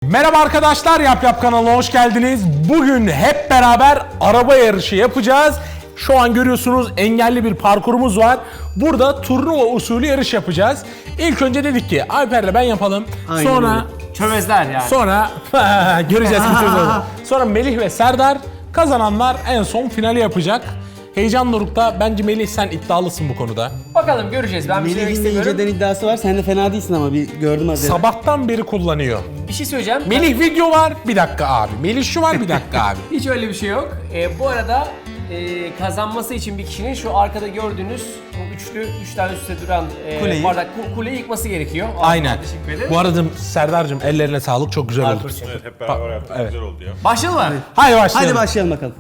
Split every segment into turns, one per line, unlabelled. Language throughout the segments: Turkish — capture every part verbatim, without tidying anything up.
Merhaba arkadaşlar, Yap Yap kanalına hoş geldiniz. Bugün hep beraber araba yarışı yapacağız. Şu an görüyorsunuz engelli bir parkurumuz var. Burada turnuva usulü yarış yapacağız. İlk önce dedik ki Alper'le ben yapalım.
Aynen
Sonra
öyle.
Çömezler yani.
sonra göreceğiz kim çözüyor. Sonra Melih ve Serdar, kazananlar en son finali yapacak. Heyecan dorukta. Bence Melih sen iddialısın bu konuda.
Bakalım göreceğiz. Ben bir şey demek
Melih'in de
istemiyorum.
inceden iddiası var. Sen de fena değilsin ama bir gördüm az önce.
Sabahtan beri kullanıyor.
Bir şey söyleyeceğim.
Melih video var, bir dakika abi. Melih şu var, bir dakika abi.
Hiç öyle bir şey yok. Ee, bu arada e, kazanması için bir kişinin şu arkada gördüğünüz bu üçlü, üç tane üstte duran e,
Kuleyi.
bardak ku- kuleyi yıkması gerekiyor.
Aynen.
Teşekkür ederim.
Bu arada Serdar'cığım ellerine sağlık, çok güzel oldu.
Evet, hep beraber yaptık.
evet.
Güzel oldu ya.
Başlayalım mı?
Haydi başlayalım.
Hadi başlayalım bakalım.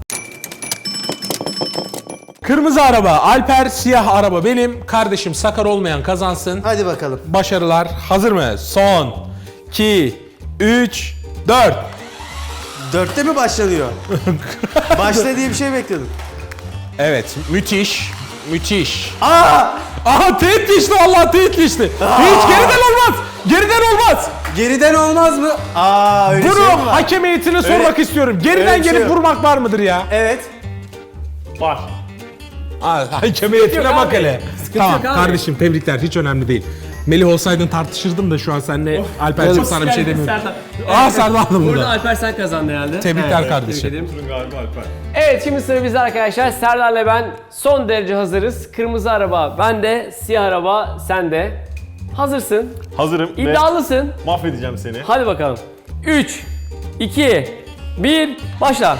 Kırmızı araba Alper, siyah araba benim. Kardeşim sakar olmayan kazansın.
Hadi bakalım.
Başarılar. Hazır mı? Son, iki, üç, dört.
Dörtte mi başlanıyor? Başla diye bir şey bekliyordum.
Evet, müthiş. Müthiş.
Aa!
Aha teğet geçti, vallahi teğet geçti. Hiç geriden olmaz. Geriden olmaz.
Geriden olmaz mı? Aa öyle
Bunu
şey mi var?
hakem heyetine sormak istiyorum. Geriden
öyle bir şey
gelip
yok.
vurmak var mıdır ya?
Evet.
Var.
Aa, hakem heyetine
yok
bak
abi.
hele.
Sıkıntı
Tamam
yok abi.
kardeşim, tebrikler, hiç önemli değil. Melih olsaydın tartışırdım da şu an seninle Alper'cim sana bir şey demiyorum.
Serdar.
Aa Serdar da
Burada
burada.
Alper sen kazandın herhalde.
Tebrikler
Evet,
kardeşim.
tebrik ederim.
Turun galiba Alper.
Evet, şimdi sıra bizde arkadaşlar. Serdar'la ben son derece hazırız. Kırmızı araba bende, siyah araba sende. Hazırsın.
Hazırım
İddialısın.
ve mahvedeceğim seni.
Hadi bakalım. üç, iki, bir, başla.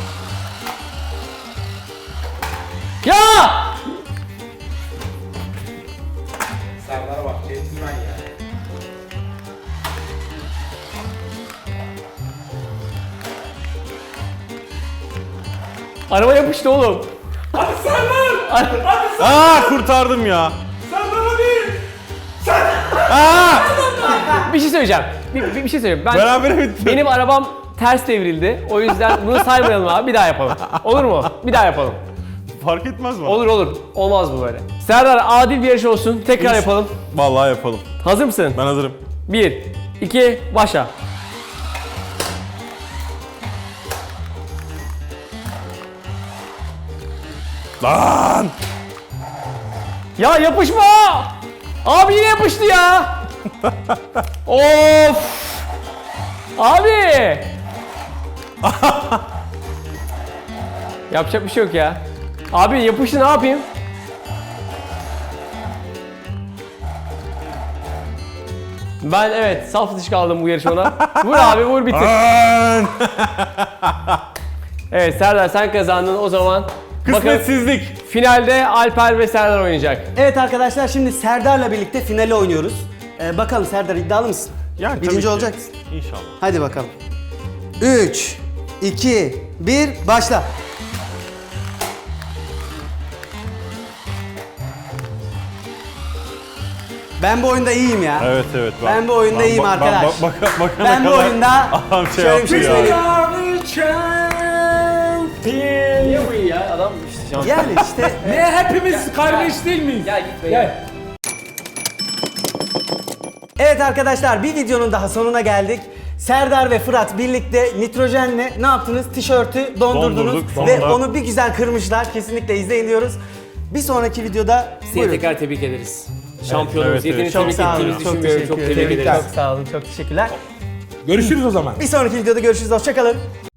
Ya!
Serdar'a bak, centilmen ya.
Araba yapıştı oğlum.
Aa kurtardım ya.
Bir şey söyleyeceğim. Bir, bir, bir şey söyleyeyim. Ben
Beraber bitti.
benim arabam ters devrildi. O yüzden bunu saymayalım abi. Bir daha yapalım. Olur mu? Bir daha yapalım.
Fark etmez mi?
Olur olur. Olmaz bu böyle. Serdar, adil bir yarış olsun. Tekrar yapalım.
Vallahi yapalım.
Hazır mısın?
Ben hazırım.
bir, iki, başla.
Lan!
Ya yapışma! Abi yine yapıştı ya! Of! Abi! Yapacak bir şey yok ya. Abi yapıştı, ne yapayım? Ben evet saf dışı kaldım bu yarışmada. Vur abi, vur bitir.
Lan!
Evet Serdar, sen kazandın o zaman. Bakın
Kısmetsizlik.
finalde Alper ve Serdar oynayacak.
Evet arkadaşlar, şimdi Serdar'la birlikte finale oynuyoruz. Ee, bakalım Serdar, iddialı mısın?
Yani tabii
Birinci
ki.
olacak mısın?
İnşallah.
Hadi bakalım. üç, iki, bir, başla. Ben bu oyunda iyiyim ya.
Evet evet. Bak,
Ben bu oyunda
bak-
iyiyim
bak-
arkadaş.
Bak, bak, bak, bakana
Ben bu
kadar
oyunda
adam şey
şöyle bir şey
yaptı ya.
söyleyeyim.
Niye bu iyi ya? Adam işte şans.
Yani işte
Ne hepimiz kardeş değil miyiz?
Gel gitme gel.
evet arkadaşlar, bir videonun daha sonuna geldik. Serdar ve Fırat birlikte nitrojenle ne yaptınız? Tişörtü dondurdunuz
Dondurduk,
ve
sonra-
onu bir güzel kırmışlar. Kesinlikle izleyin diyoruz. Bir sonraki videoda
Seni
buyurun.
tekrar tebrik ederiz. Şampiyonumuz.
evet, evet.
Yeterince
Çok
tebrik
sağ olun.
ettiğimizi
Çok
düşünmüyorum.
teşekkür
Çok
ederim.
tebrik ederiz.
Çok sağ olun. Çok teşekkürler.
Görüşürüz o zaman.
Bir sonraki videoda görüşürüz. Hoşça kalın.